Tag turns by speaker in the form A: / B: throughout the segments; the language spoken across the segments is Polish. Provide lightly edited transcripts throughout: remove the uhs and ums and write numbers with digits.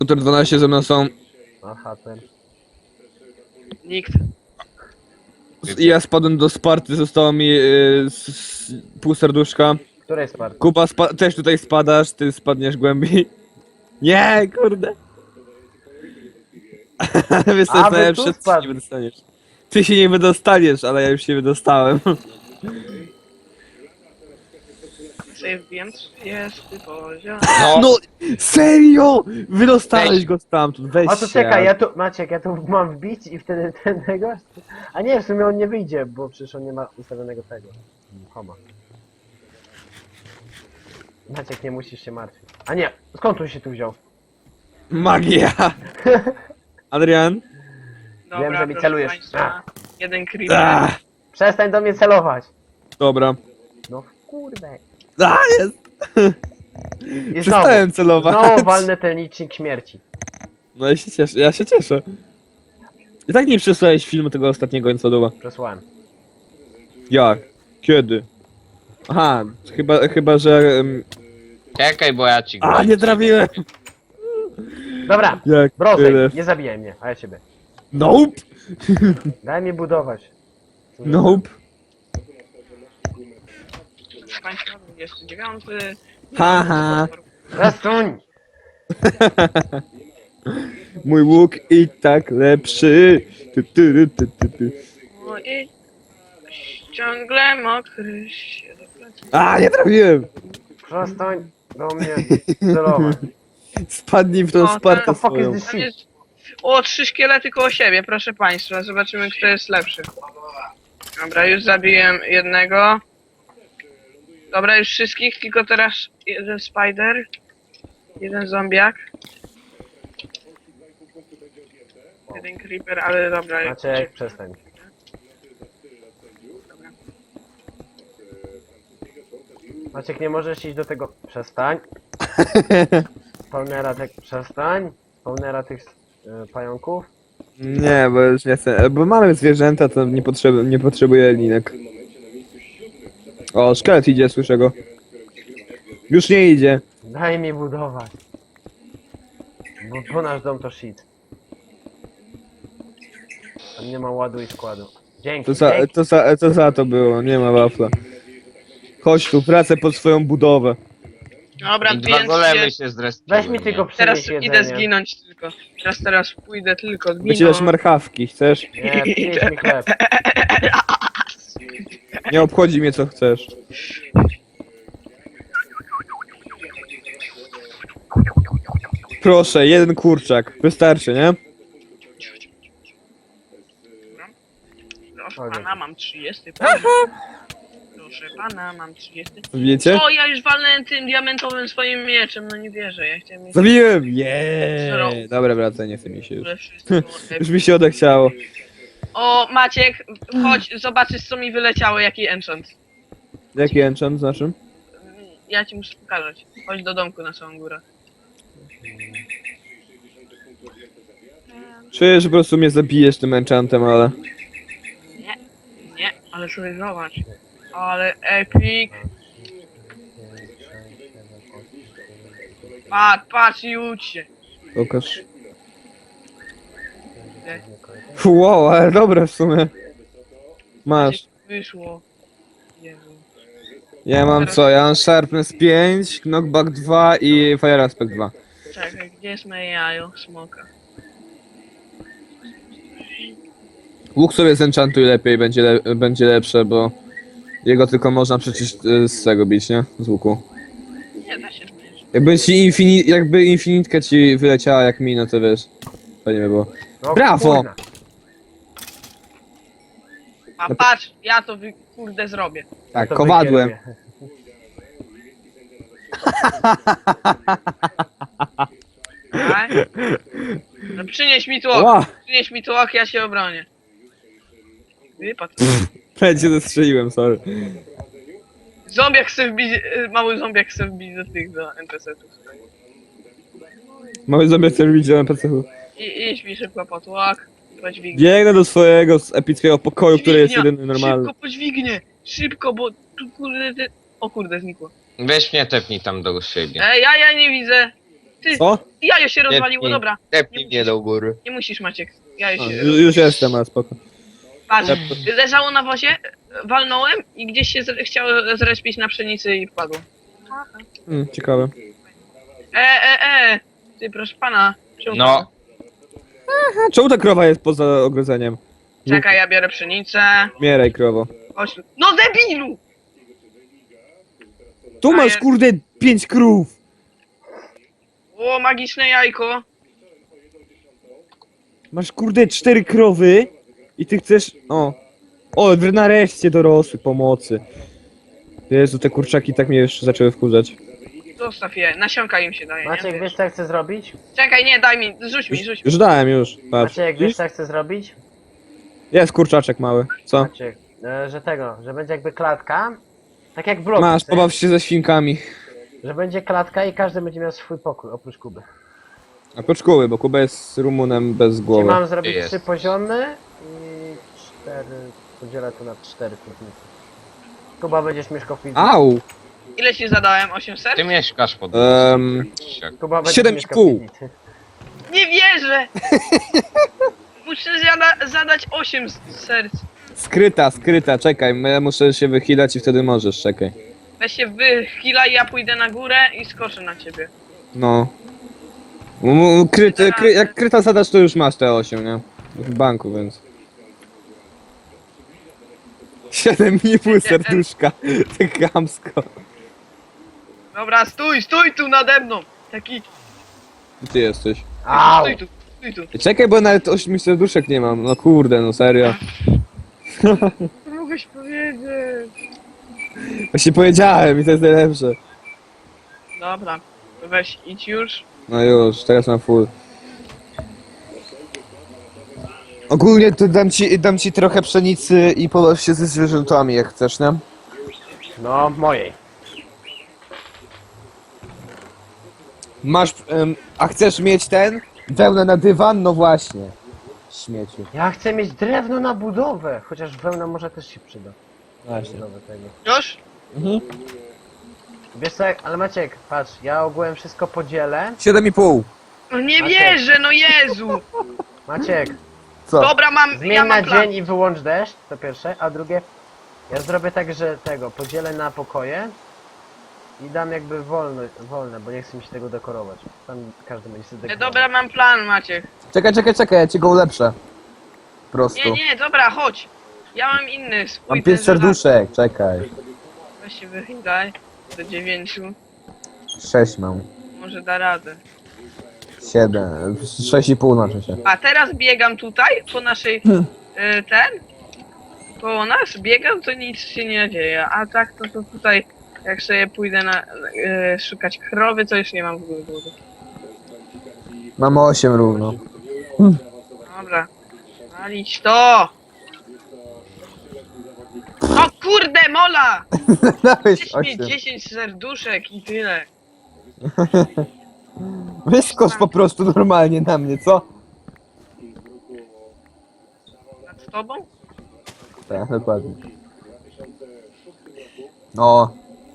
A: Tutor 12 ze mną są.
B: Aha, ten.
C: Nikt.
A: I ja spadłem do Sparty, zostało mi pół serduszka.
B: Który jest part?
A: Kuba, też tutaj spadasz, ty spadniesz głębiej. Nie, kurde. Wiesz co
B: A,
A: jest
B: wy
A: najlepsze?
B: tu
A: Ty się
B: spadł.
A: nie wydostaniesz. Ty się nie wydostaniesz, ale ja już się wydostałem.
C: Sobie wbijam 30 poziom.
A: No, serio! Wydostałeś go stamtąd, weź
B: A to
A: się.
B: czekaj, ja tu, Maciek, ja tu mam wbić i wtedy ten tego? A nie, w sumie on nie wyjdzie, bo przecież on nie ma ustawionego tego. Homa. Maciek, nie musisz się martwić. A nie, skąd on się tu wziął?
A: Magia! Adrian?
C: Dobra,
B: Wiem, że mi
C: proszę
B: celujesz.
C: państwa, jeden creeper.
A: Ah,
B: Przestań do mnie celować!
A: dobra.
B: No kurde.
A: Jest!
B: I
A: Przestałem celować.
B: znowu walnę ten licznik śmierci.
A: No ja się cieszę. I tak nie przesłałeś filmu tego ostatniego Infodowa.
B: Przesłałem.
A: Jak? Kiedy? Aha, chyba że...
D: Czekaj, bo ja ci
A: A, nie trafiłem!
B: Dobra,
A: Jak
B: Brozej,
A: tyle.
B: nie zabijaj mnie, a ja ciebie.
A: Nope!
B: Daj mi budować.
A: Nope.
C: Państwa 29.
A: Haha.
B: Przesuń!
A: Mój łuk i tak lepszy. Tu.
C: No i ciągle mokry się do plecy.
A: A, nie trafiłem!
B: Przestań do mnie celować.
A: Spadnij w tą
C: O,
A: Spartę
B: the fuck is
A: swoją.
B: this
C: Tam
B: shit?
C: jest... O, 3 szkielety koło siebie, proszę państwa. Zobaczymy, kto jest lepszy. Dobra, już zabiłem jednego. Dobra, już wszystkich, tylko teraz jeden spider. Jeden zombiak. Jeden creeper, ale dobra.
B: Maciek, przestań. Maciek, nie możesz iść do tego... Przestań. Pełnera tych... Przestań. Pełnera tych pająków.
A: Nie, bo już nie chcę. Bo mamy zwierzęta, to nie potrzebuję linek. O, szkielet idzie, słyszę go. Już nie idzie.
B: Daj mi budować. Bo nasz dom to shit. Tam nie ma ładu i składu. Dzięki, dzięki.
A: To za to było, nie ma wafla. Chodź tu, pracę pod swoją budowę.
C: Dobra,
D: Dwa
C: więc
D: golemy się zrespiły.
B: Weź mi tylko
C: teraz
B: przynieś
C: idę
B: jedzenie.
C: zginąć tylko. Teraz pójdę tylko
A: Wycierasz
C: zginąć.
A: marchawki, chcesz?
B: Nie, przynieś mi chleb.
A: Nie obchodzi mnie co chcesz. Proszę, jeden kurczak. Wystarczy, nie?
C: Proszę pana, mam 30 poziom. Proszę pana, mam 30.
A: Wiecie?
C: O, ja już walnąłem tym diamentowym swoim mieczem, no nie wierzę, ja chciałem mieć
A: Zabiłem! Jeee! Dobra, wracaj, nie chce mi się już.
C: wszystko.
A: Już mi się odechciało.
C: O, Maciek, chodź, zobaczysz co mi wyleciało, jaki enchant.
A: Jaki enchant z naszym?
C: Ja ci muszę pokazać. Chodź do domku na samą górę.
A: Czuję, że po prostu mnie zabijesz tym enchantem, ale...
C: Nie, ale sobie zobacz. Ale epic. Patrz i ucz się.
A: Pokaż. Wow, ale dobre w sumie. Masz.
C: Wyszło. Jezu.
A: Ja mam co? Ja mam Sharpness 5, Knockback 2 i Fire Aspect 2.
C: Czekaj, gdzie jest moje jajo? Smoka.
A: Łuk sobie zenchantuj lepiej, będzie lepsze, bo... Jego tylko można przecież z tego bić, nie? Z łuku.
C: Nie da się zmierzyć.
A: Jakby infinitka ci wyleciała jak mi, no to wiesz. Fajnie by było.
B: No,
A: Brawo!
B: kurna.
C: A patrz, ja to kurde zrobię.
A: Tak,
B: To
A: kowadłem.
B: wykieruję.
C: Tak? No przynieś mi tłok,
A: Ła!
C: przynieś mi tłok, ja się obronię. Wypadł.
A: Prawie cię zestrzeliłem, sorry.
C: Zombiak chce wbić, mały zombiak chce wbić do tych, do NPC-ów.
A: Mały zombie chce robić na NPC-u.
C: Idź mi szybko po tłok, podźwignie.
A: Biegnę do swojego epickiego pokoju, który jest jedyny normalny.
C: Szybko podźwignie, szybko, bo tu kurde, o kurde, znikło.
D: Weź mnie tepnij tam do siebie.
C: Ja nie widzę. Ty,
A: Co?
C: Jajo się rozwaliło,
D: Tepnij.
C: dobra.
D: Tepnij mnie do góry.
C: Nie musisz, Maciek. Jajo
A: O,
C: się...
A: już jestem, ale spoko.
C: Patrz, leżało na wozie, walnąłem i gdzieś się chciało zrespić na pszenicy i wpadło.
A: Ciekawe.
C: Ty, proszę pana. czemu
D: No.
C: pan-
A: A czemu ta krowa jest poza ogrodzeniem?
C: Czekaj, ja biorę pszenicę.
A: Mieraj, krowo.
C: Chodź tu. No debilu!
A: Tu masz, kurde, 5 krów!
C: O, magiczne jajko.
A: Masz, kurde, 4 krowy i ty chcesz... O, nareszcie dorosły, pomocy. Jezu, te kurczaki tak mnie już zaczęły wkurzać.
C: Zostaw je, nasionka im się daje,
B: Maciek,
C: nie?
B: wiesz co ja chcę zrobić?
C: Czekaj, nie, daj mi, rzuć mi.
A: Już dałem, już, patrz.
B: Maciek, wiesz co ja chcę zrobić?
A: Jest kurczaczek mały, co?
B: Maciek, że będzie jakby klatka. Tak jak w bloku.
A: Masz,
B: chcę,
A: pobaw się ze świnkami.
B: Że będzie klatka i każdy będzie miał swój pokój, oprócz Kuby.
A: A po szkoły, bo Kuba jest Rumunem bez
B: Czyli
A: głowy.
B: mam zrobić
D: Jest.
B: 3 poziomy i 4, podzielę to na 4 kurnicy. Kuba będziesz mieszkał w piwnicy.
A: Au!
C: Ile ci zadałem? 800?
D: Ty mieszkasz pod
B: Kuba będziesz
A: 7,5.
B: mieszkał w piwnicy.
C: Nie wierzę! Muszę zadać 8 serc.
A: Skryta, czekaj, ja muszę się wychylać i wtedy możesz, czekaj.
C: Weź się wychilaj, ja pójdę na górę i skoczę na ciebie.
A: No. Jak kryta zadasz, to już masz te 8, nie? W banku, więc... 7,5 serduszka. Tak chamsko.
C: Dobra, stój tu nade mną! Taki,
A: Gdzie ty jesteś?
B: Au!
C: stój tu.
A: Czekaj, bo nawet 8 serduszek nie mam. No kurde, no serio.
C: Mogłeś powiedzieć.
A: Właśnie powiedziałem i to jest najlepsze.
C: Dobra, to weź, idź już.
A: No już, teraz mam full. Ogólnie to dam ci trochę pszenicy i pobaw się ze zwierzętami, jak chcesz, nie?
B: No, mojej.
A: Masz, a chcesz mieć ten? Wełnę na dywan? No właśnie. Śmieciu.
B: Ja chcę mieć drewno na budowę, chociaż wełna może też się przyda.
A: Właśnie.
B: Budowę tego.
C: Już?
B: Wiesz co, ale Maciek, patrz, ja ogółem wszystko podzielę.
A: 7,5.
C: No nie
B: Maciek.
C: wierzę, no Jezu!
B: Maciek,
A: Co?
C: Dobra,
B: zmień
C: ja
B: na
C: mam plan.
B: dzień i wyłącz deszcz, to pierwsze, a drugie, ja zrobię tak, że tego, podzielę na pokoje i dam jakby wolne, bo nie chcę mi się tego dekorować. Tam każdy będzie sobie dekorował.
C: Dobra, mam plan, Maciek.
A: Czekaj, ja ci go ulepszę. Prosto.
C: Nie, dobra, chodź. Ja mam inny swój.
A: Mam
C: ten
A: 5
C: żelazny.
A: serduszek, czekaj.
C: Weź się wychylaj. Do 9.
A: 6 mam.
C: Może da radę.
A: 7. 6,5 znaczy się.
C: A teraz biegam tutaj, po naszej... Koło nas biegam, to nic się nie dzieje. A tak, to tutaj... Jak sobie pójdę szukać krowy, to już nie mam w ogóle głowy.
A: Mam 8 równo.
C: Dobra. Walić to! O kurde, mola!
A: Dałeś
C: Chcesz mieć
A: 8.
C: 10 serduszek i tyle.
A: Wyskocz po prostu normalnie na mnie, co?
C: Nad tobą?
A: Tak, dokładnie. No.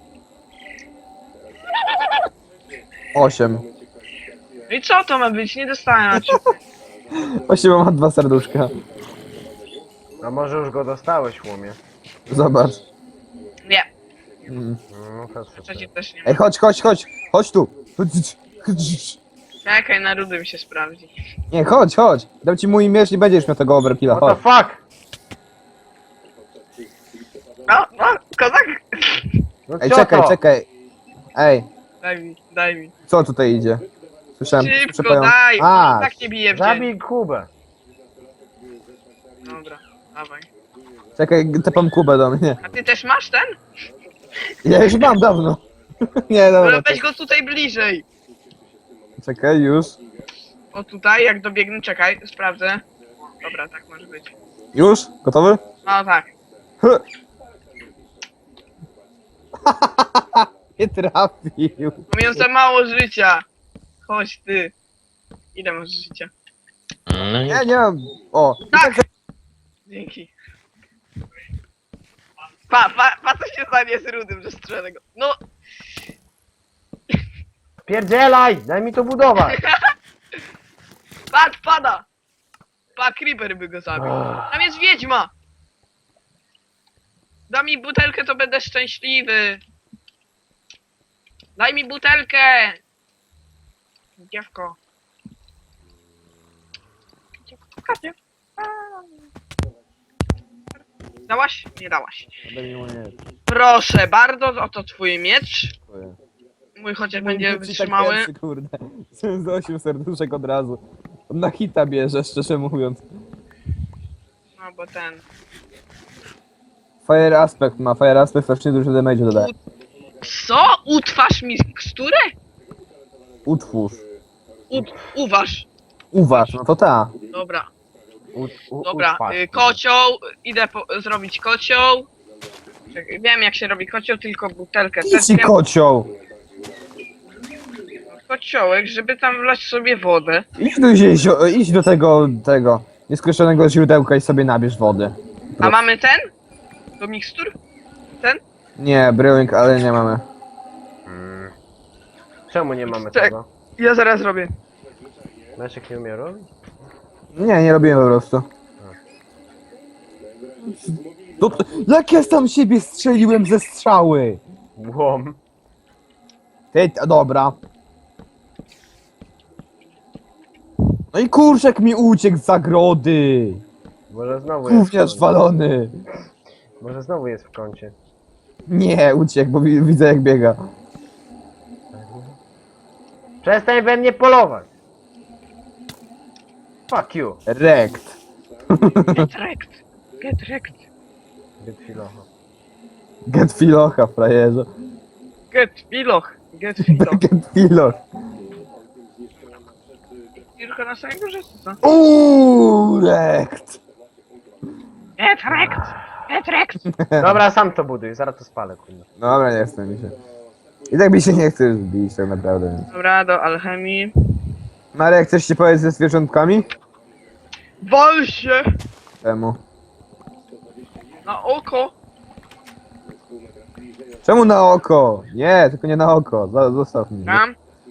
A: 8.
C: No i co to ma być? Nie dostałem.
A: Właśnie mam 2 serduszka.
B: A może już go dostałeś, łomie?
A: Zobacz.
C: Nie,
A: Mm.
B: No, to super.
C: przecież też nie ma.
A: Ej, chodź tu.
C: Czekaj, na rudy mi się sprawdzi.
A: Nie, chodź. Dam ci mój miecz i będziesz miał tego overkilla,
B: What the
A: chodź.
B: fuck?
C: No, kozak!
B: No
A: Ej,
B: co to?
A: czekaj. Ej,
C: Daj mi.
A: co tutaj idzie? Słyszałem,
C: Szybko, daj!
A: A,
C: Tak nie bije w dzień.
B: Zabij Kubę.
C: Dobra, dawaj.
A: czekaj, tepam Kubę do mnie.
C: A ty też masz ten?
A: Ja już mam dawno. Nie, dobra.
C: Dobra, weź go tutaj bliżej.
A: Czekaj, już.
C: O tutaj, jak dobiegnę, czekaj, sprawdzę. Dobra, tak może być.
A: Już? Gotowy?
C: No tak.
A: Nie trafił.
C: Mam za mało życia. Chodź ty. Ile masz życia?
A: Nie mam. O.
C: Tak! Dzięki. Pa co się stanie z rudym, że strzelę go. No!
B: Spierdzielaj! Daj mi to budować!
C: Patrz, pada! Pa, creeper by go zabił.
B: Ach.
C: Tam jest wiedźma! Daj mi butelkę, to będę szczęśliwy. Daj mi butelkę! Dziewko. Dziewka, dziewka. Dałaś? Nie dałaś. Proszę bardzo, oto twój miecz. Mój chociaż będzie wytrzymały.
A: Kurde. Z 8 serduszek od razu. Na hita bierze, szczerze mówiąc.
C: No bo ten...
A: Fire Aspect ma, Fire Aspect strasznie dużo damage dodaje.
C: Co? Utwarz miksturę?
A: Utwórz.
C: Uważ.
A: Uważ, no to ta.
C: Dobra.
B: Dobra,
C: Dobra, kocioł, idę zrobić kocioł. Czekaj, wiem jak się robi kocioł, tylko butelkę
A: Idź
C: też
A: ci
C: wiem.
A: kocioł!
C: Kociołek, żeby tam wlać sobie wodę.
A: Idź do tego nieskończonego źródełka i sobie nabierz wody.
C: A mamy ten? Do mikstur? Ten?
A: Nie, brewing, ale nie mamy.
B: Czemu nie mamy
C: Czek.
B: tego?
C: Ja zaraz robię.
B: Leszek nie umie robić?
A: Nie robiłem po prostu. Jak ja sam siebie strzeliłem ze strzały?
B: Łom.
A: Dobra. No i kurczak mi uciekł z zagrody.
B: Może znowu jest w
A: Gówniarz
B: kącie.
A: walony.
B: Może znowu jest w kącie.
A: Nie, uciekł, bo widzę jak biega.
B: Przestań we mnie polować! Fuck you!
A: Rekt.
C: Get wrecked. Get wrecked.
B: Get filocha.
A: Get filocha, frajerze.
C: Get filoch. Get filoch.
A: Get filoch.
C: Tylko na samej górze, co?
A: Rekt.
C: Get wrecked. Get wrecked.
B: Dobra, sam to buduj, zaraz to spalę, kurde.
A: Dobra, nie chcę mi się. I tak mi się nie chce bić tak naprawdę. Więc.
C: Dobra, do alchemii.
A: Marek, chcesz ci powiedzieć ze zwierzątkami?
C: Wal się!
A: Czemu?
C: Na oko!
A: Czemu na oko? Nie, tylko nie na oko. Zostaw mnie.
C: Tam.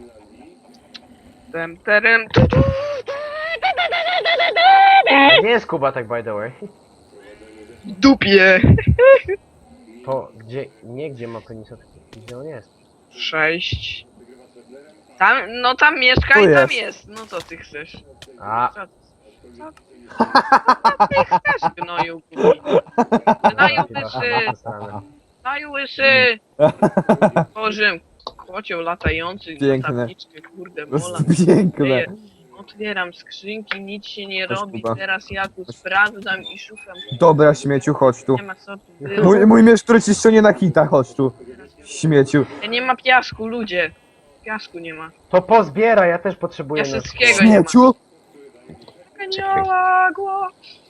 C: Tem, terem.
B: Gdzie jest Kuba tak by the way?
C: Dupie!
B: To gdzie, nie gdzie ma penisa, tylko gdzie on jest.
C: 6. Tam, no tam mieszka
A: Tu
C: i tam
A: jest.
C: jest. No co ty chcesz?
B: A,
C: Co ty chcesz, gnoju kupi? Gnoju łysy! Gnoju łysy! Boże, kocioł latający,
A: Piękne.
C: na tabliczkę, kurde,
A: To
C: mola.
A: jest piękne.
C: Ej, otwieram skrzynki, nic się nie
A: Chodź,
C: robi,
A: Kuba.
C: teraz ja tu sprawdzam i szukam.
A: Dobra, śmieciu, chodź tu.
C: Nie ma co tu było.
A: Mój miecz, który ci ściągnie na hita, chodź tu. Śmieciu.
C: Nie ma piasku, ludzie. Piasku nie ma.
B: to pozbiera, ja też potrzebuję.
C: Ja
B: na-
C: wszystkiego nie ma.
A: Śmieciu?
C: Anioła głos.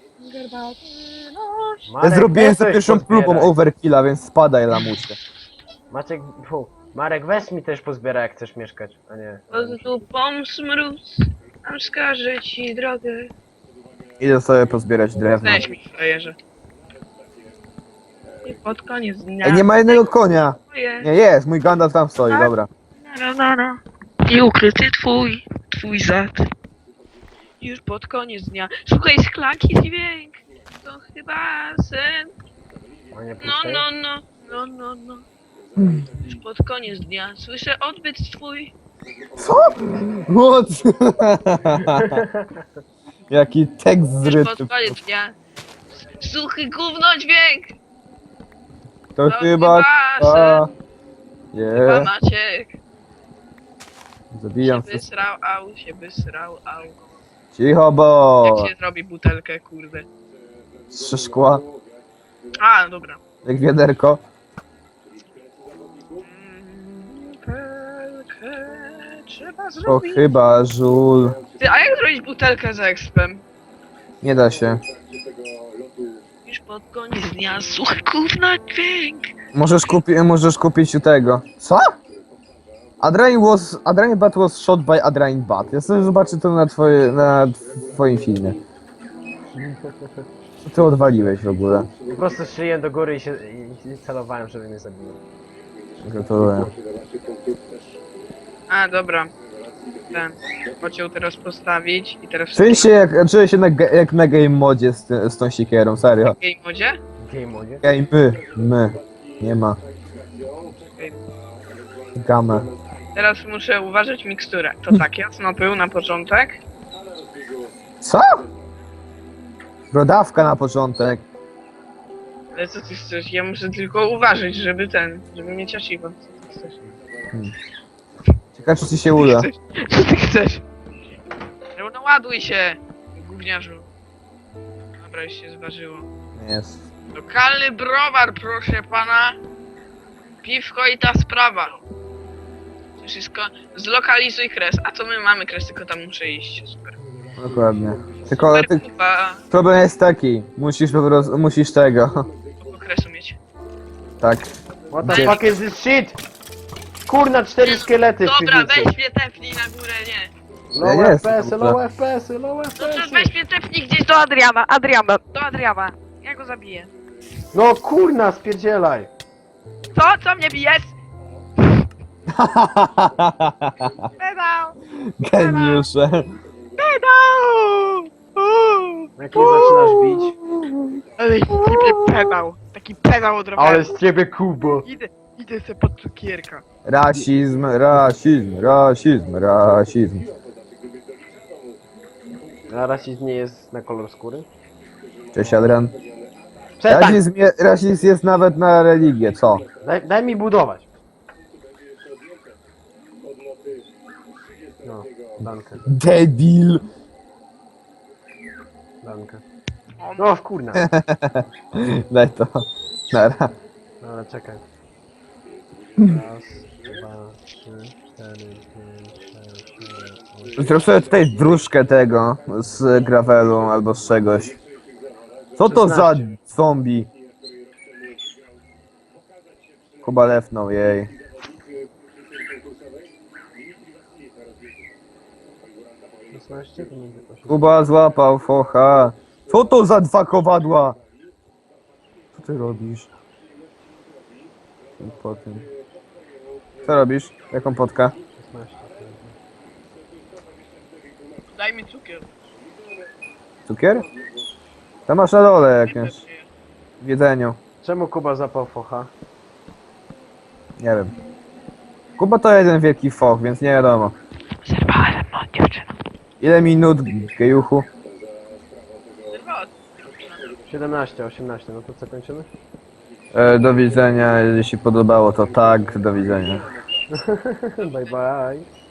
A: Ja
B: Marek,
A: zrobiłem
B: weź
A: za
B: coś
A: pierwszą
B: pozbieraj.
A: próbą overkilla, więc spadaj, lamusie.
B: Maciek, Marek, weź mi też pozbiera, jak chcesz mieszkać, a nie.
C: Pod dupą smród, a wskażę ci drogę.
A: Idę sobie pozbierać drewno.
C: Weź mi, frajerze. I pod koniec dnia.
A: Ej, nie ma jednego konia.
C: Twoje.
A: Nie, jest, mój Gandalf tam stoi, dobra.
C: Na. I ukryty twój zad. Już pod koniec dnia. Słuchaj, szklanki dźwięk. To chyba sen.
B: A nie
C: No,
B: puszczaj?
C: no. Już pod koniec dnia. Słyszę odbyt twój.
A: What? Jaki tekst
C: Już
A: zryty.
C: pod koniec dnia. Suchy gówno dźwięk.
A: To
C: To
A: chyba...
C: chyba
A: Nie,
C: Maciek.
A: zabijam
C: Się
A: wszystko.
C: wysrał, au.
A: Cicho, bo...
C: Jak się zrobi butelkę, kurde.
A: Trzy szkła,
C: A, dobra.
A: jak wiaderko.
C: Butelkę trzeba
A: To
C: zrobić.
A: chyba żul.
C: Ty, a jak zrobić butelkę z expem?
A: Nie da się.
C: Już pod koniec dnia suchy gówno dźwięk.
A: Możesz kupić u tego. Co? Adrenaline Bat was shot by Adrenaline Bat. Ja sobie zobaczę to na twoim filmie. Co ty odwaliłeś w ogóle?
B: Po prostu szyję do góry i celowałem, żeby mnie zabiło.
A: Gratuluję.
C: A, dobra. Ten. Chciał teraz postawić i teraz...
A: Czuję się jak na game modzie z tą sikierą, serio.
C: W game modzie?
B: Game modzie.
A: Game my. Nie ma. Gamę.
C: Teraz muszę uważać miksturę. To tak, jasno pył na początek.
A: Co? Brodawka na początek.
C: Ale co ty chcesz? Ja muszę tylko uważać, żeby mieć asiwo. Co ty chcesz?
A: Ciekawe czy ci się uda.
C: Co ty chcesz? No ładuj się, gówniarzu. Dobra, już się zważyło.
A: Jest.
C: Lokalny browar, proszę pana. Piwko i ta sprawa. To wszystko. Zlokalizuj kres. A co my mamy kres, tylko tam muszę iść. Super.
A: Dokładnie. Tylko
C: Super kupa.
A: problem jest taki. Musisz po prostu, musisz tego.
C: Kogo kresu mieć.
A: Tak.
B: What the
A: Gdzie?
B: fuck is this shit? Kurna, 4 szkielety w
C: Dobra,
B: piwnicy.
C: weź mnie tepnij na górę, nie.
B: Low
A: Ja jestem
B: FPS-y,
A: tam,
B: low FPS-y, low
C: Dobrze,
B: FPS-y.
C: weź mnie tepnij gdzieś do Adriana. Do Adriana. Ja go zabiję.
B: No kurna, spierdzielaj.
C: Co mnie bijesz? Pedał!
A: Geniusze.
C: Pedał!
B: Jak mnie zaczynasz bić?
C: Ale ciebie pedał. Taki pedał od roweru.
B: Ale z ciebie Kubo.
C: Idę se pod cukierka.
A: Rasizm.
B: A rasizm nie jest na kolor skóry?
A: Cześć Adrian.
B: Przestań!
A: Rasizm jest nawet na religię, co?
B: Daj mi budować. No, dankę,
A: Debil.
B: dankę. No, kurna.
A: Daj to. Nara.
B: No, ale czekaj. Raz, dwa, trzy, cztery, pięć, sześć, siedem, osiem.
A: Zrób sobie tutaj dróżkę tego z gravelu albo z czegoś. Co to za
B: 16.
A: zombie? Kuba lefnął jej.
B: 16, to będzie 8.
A: Kuba złapał focha. Co to za 2 kowadła? Co ty robisz? Po tym. Co robisz? Jaką potkę?
B: 16.
C: Daj mi cukier.
A: Cukier? Tam masz na dole jakieś. W jedzeniu.
B: Czemu Kuba zapał focha?
A: Nie wiem. Kuba to jeden wielki foch, więc nie wiadomo.
C: Zerwałem, no dziewczyno.
A: Ile minut, gejuchu?
B: 17, 18, no to co kończymy?
A: Do widzenia, jeśli się podobało to tak, do widzenia.
B: Bye bye.